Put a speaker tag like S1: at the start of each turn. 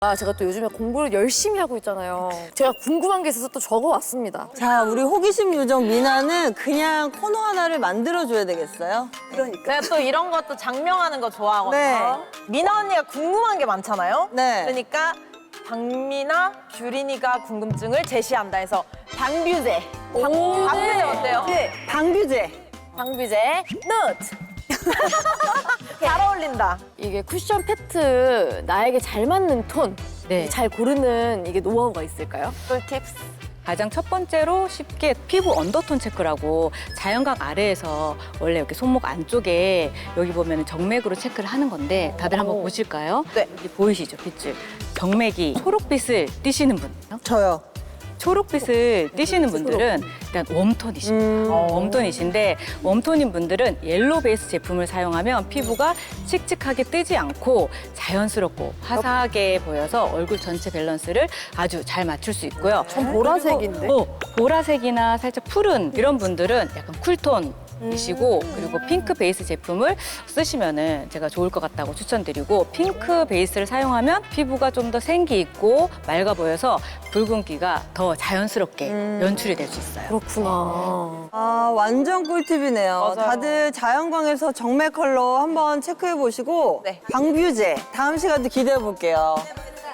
S1: 제가 또 요즘에 공부를 열심히 하고 있잖아요. 제가 궁금한 게 있어서 또 적어왔습니다.
S2: 자, 우리 호기심 요정 미나는 그냥 코너 하나를 만들어줘야 되겠어요?
S3: 제가 또 이런 것도 장명하는 거 좋아하거든요.
S2: 네.
S3: 미나 언니가 궁금한 게 많잖아요.
S2: 네.
S3: 그러니까 박미나, 규린이가 궁금증을 제시한다 해서 방뷰제. 방뷰제 어때요?
S2: 방규제.
S1: 방비제 노트!
S3: 잘 어울린다.
S1: 이게 쿠션 패트 나에게 잘 맞는 톤,
S4: 네.
S1: 잘 고르는 이게 노하우가 있을까요?
S3: 꿀팁스.
S4: 가장 첫 번째로 쉽게 피부 언더톤 체크라고 자연각 아래에서 원래 이렇게 손목 안쪽에 여기 보면 정맥으로 체크를 하는 건데 다들 한번 보실까요?
S3: 네.
S4: 여기 보이시죠, 빗줄? 정맥이 초록빛을 띠시는 분.
S2: 저요.
S4: 초록빛을 띠시는 분들은 일단 웜톤이십니다. 웜톤이신데 웜톤인 분들은 옐로우 베이스 제품을 사용하면 피부가 칙칙하게 뜨지 않고 자연스럽고 화사하게 보여서 얼굴 전체 밸런스를 아주 잘 맞출 수 있고요.
S1: 전 보라색인데.
S4: 보라색이나 살짝 푸른 이런 분들은 약간 쿨톤 이시고 그리고 핑크 베이스 제품을 쓰시면은 제가 좋을 것 같다고 추천드리고 핑크 베이스를 사용하면 피부가 좀 더 생기 있고 맑아 보여서 붉은기가 더 자연스럽게 연출이 될 수 있어요.
S1: 그렇구나.
S2: 아, 완전 꿀팁이네요.
S3: 맞아요.
S2: 다들 자연광에서 정맥 컬러 한번 체크해 보시고
S3: 네.
S2: 방뷰제 다음 시간도 기대해 볼게요.